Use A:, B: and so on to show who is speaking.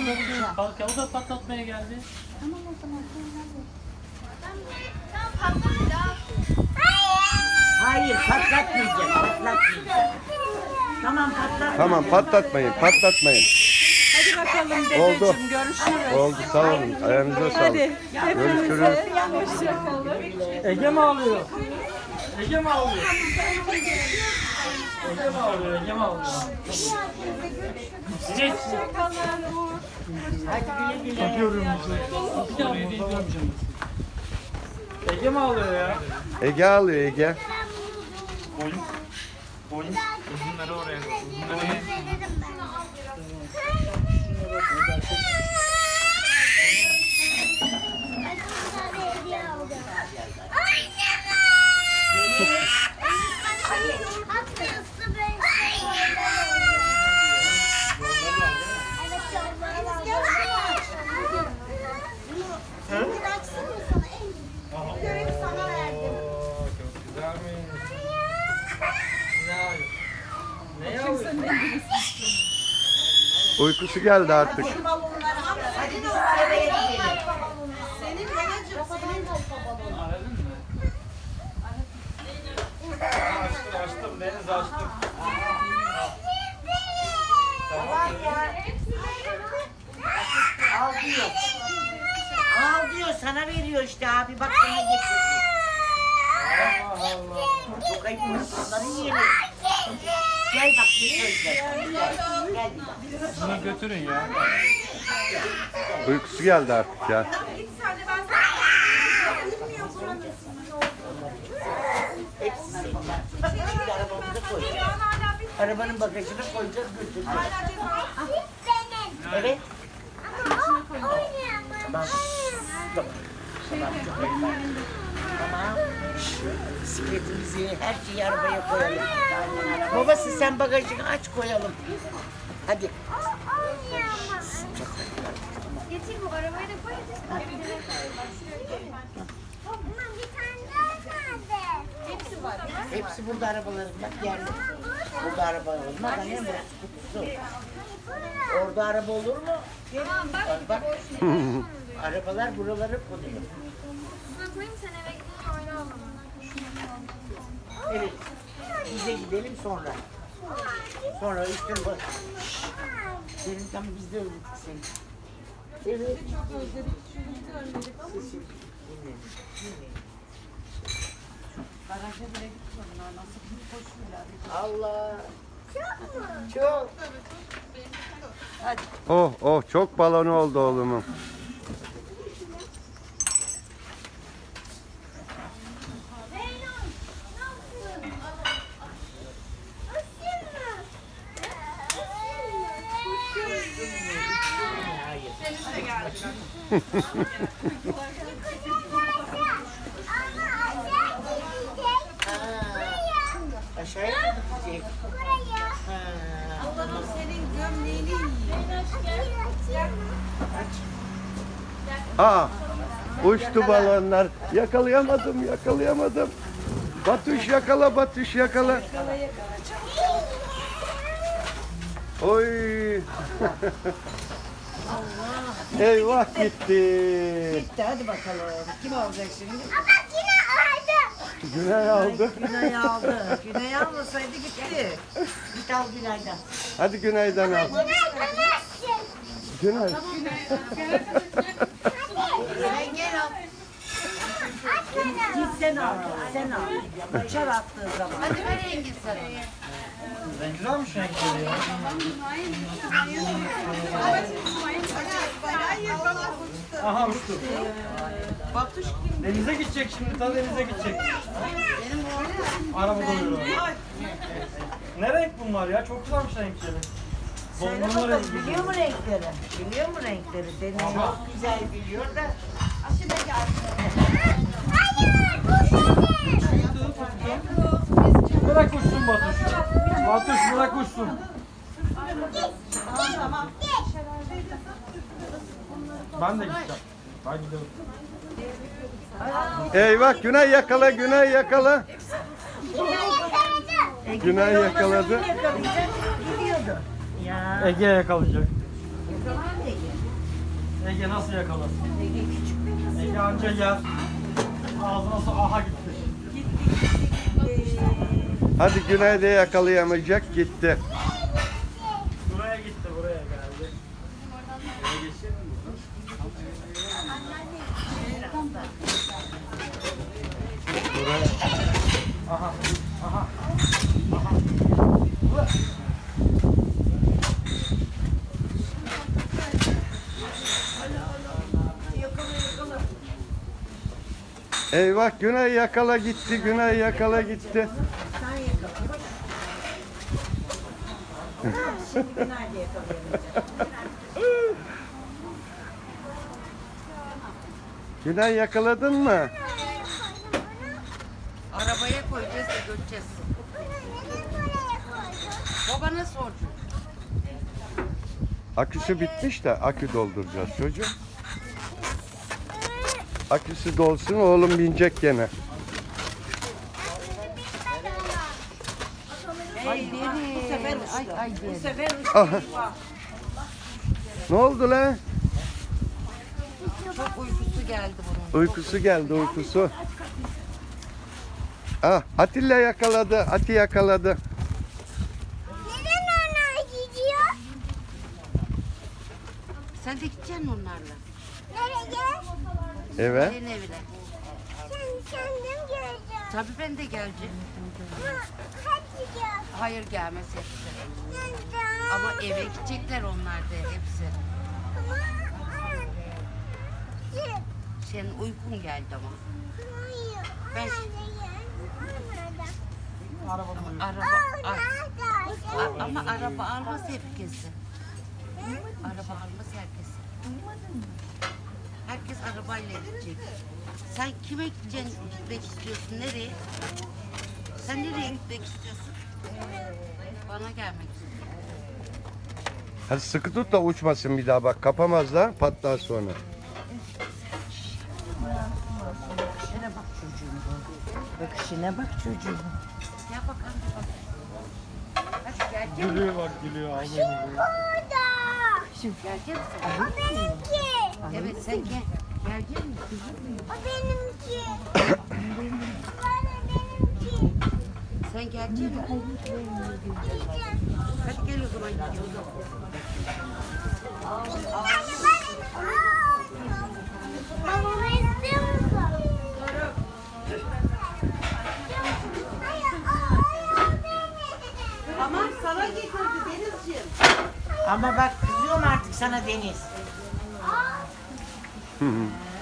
A: patlatıyor. Bak ya o da patlatmaya geldi.
B: Tamam o zaman.
C: Tamam patladı.
D: Hayır patlatmayacak. Patlatmayacak. Tamam patlatmayacak.
E: Tamam patlatmayın, patlatmayın.
F: Hadi bakalım dedeciğim,
E: Oldu.
F: görüşürüz.
E: Oldu sağ olun. Ayağınıza sağlık.
F: Hadi
E: Görüşürüz.
F: hepinize hoşçakalın.
A: Ege mi ağlıyor? Ege mi ağlıyor? Ege mi ağlıyor? Ege mi ağlıyor? Geç.
D: Hadi güle güle.
A: Yapıyorum bizi. Bir daha oraya değil. Ege mi ağlıyor ya?
E: Ege ağlıyor Ege.
A: Boyun. Boyun. Uzunları oraya. Uzunları.
C: Görevi sana verdim.
A: Çok güzelmiş. Ne yapıyorsun?
E: Uykusu geldi artık.
D: Hadi biz eve gidelim.
C: Senin babacığım, senin
A: Aradın mı? Açtım açtım Deniz açtım.
D: Bak ya. Al diyor. Al diyor sana veriyor işte abi bak sana getirdi.
A: Allah Allah.
D: Çok ayıp insanların yeri. Gel bak ne söyleyeceğim. Gel.
A: Bunu götürün ya.
E: Uykusu geldi artık ya.
D: Hepsi senin. Şimdi arabamıza koyacağız. Arabanın bagajına koyacağız götüreceğiz. Evet. Tamam. Tamam. Tamam. Bisikletimizi, her şeyi arabaya koyalım. Babası sen bagajını aç koyalım. Hadi.
C: Getir bu arabayı da koy. Hepsi var.
D: Hepsi burada arabaların bak yerli. Burada araba olmaz. Annem burası kutusu. Orada araba olur mu? Bak. Arabalar buralara konuyor.
C: Şuna koyayım sen eve gidince oyna o zaman.
D: Evet. Bize gidelim sonra. Sonra üstüne bak. Senin tam bizde öldük seni. Evet.
F: Çok özledik, şunu özledik ama garaja bile gitmiyorlar. Nasıl bir koşuyorlar.
D: Allah. Çok.
E: Oh oh çok balonu oldu oğlumun.
D: Aşağıya mı gidecek?
F: Allah'ım senin gömleğini yiyin.
E: Aa uçtu balonlar. Yakalayamadım yakalayamadım. Batuş yakala Batuş yakala. Oy. Eyvah gitti.
D: Gitti hadi bakalım. Kim alacak şimdi?
E: Güney aldı.
D: Günay aldı. Günay almasaydı gitti. Git al Günay'dan.
E: Hadi Güney'den al. Güney.
D: Sen gel al. Git sen al. Sen al. Uçar attığı zaman. Hadi ver Engin sana.
A: Ne güzelmiş renkleri ya. Aha uçtu.
F: Batuş kim?
A: Denize gidecek şimdi, ta denize gidecek. Arabada uyuyor. Ne renk bunlar ya? Çok güzelmiş renkleri.
D: Söyle
A: Dondurma
D: bakalım
A: rengi.
D: biliyor mu renkleri? Biliyor mu renkleri? Deniz çok güzel biliyor da.
A: Bırak uçsun Batuş. Batuş bırak uçsun. Ben de gideceğim. Ben gidiyorum.
E: Eyvah Güney yakala Güney yakala. Güney yakaladı.
D: Yakalayacak, gidiyordu. Ya.
A: Ege yakalayacak.
D: Yakalayın Ege.
A: Ege nasıl yakalar? Ege anca yer. Ağzına su aha gitti.
E: Hadi Güney de yakalayamayacak gitti.
A: Buraya gitti, buraya geldi. Buraya. Aha, aha, aha. Ulan.
E: Eyvah Güney yakala gitti. Güney yakala gitti.
F: Sen yakala. Şimdi nerede yakalayamayacak?
E: Güney yakaladın mı?
B: Arabaya koyacağız da götüreceğiz. Babana soracağım.
E: Aküsü bitmiş de akü dolduracağız çocuğum. Aküsü dolsun oğlum binecek gene.
B: Ay deri.
F: Bu sefer uçtu.
B: Ay
F: Bu
B: deri.
F: sefer uçtu.
E: Aha. Ne oldu lan?
B: Çok uykusu geldi bunun.
E: Uykusu geldi uykusu. Ah Atilla yakaladı. Ati yakaladı.
C: Neden onlar gidiyor?
B: Sen de gideceksin onlarla.
C: Nereye?
E: Evet.
B: Senin evine.
C: Kendim göreceğim.
B: Tabii ben de geleceğim.
C: Hadi gel.
B: Hayır gelmez hepsi.
C: Neden?
B: Ama eve gidecekler onlar da hepsi. Senin uykun geldi ama. Ben ama araba almaz herkesi. Araba almaz herkesi. Herkes arabayla gidecek. Sen kime gitmek istiyorsun? Nereye? Sen nereye gitmek istiyorsun? Bana gelmek istiyorsun.
E: Hadi sıkı tut da uçmasın bir daha bak. Kapamazlar patlar sonra.
F: Bakışına bak çocuğum. Bakışına bak çocuğum.
B: Gel bakalım. Hadi gelecek misin?
A: Gülüyor bak, gülüyor. Ağzını
B: Gelecek misin?
C: O benimki.
B: Evet sen gel. Gelecek misin?
C: O benimki. Benimki.
B: Sen gelecek misin? Hadi gel o zaman gidiyoruz.
C: Babamı istiyor musun?
F: Tamam sana getirdi Denizciğim.
D: Ama bak kızıyorum artık sana Deniz.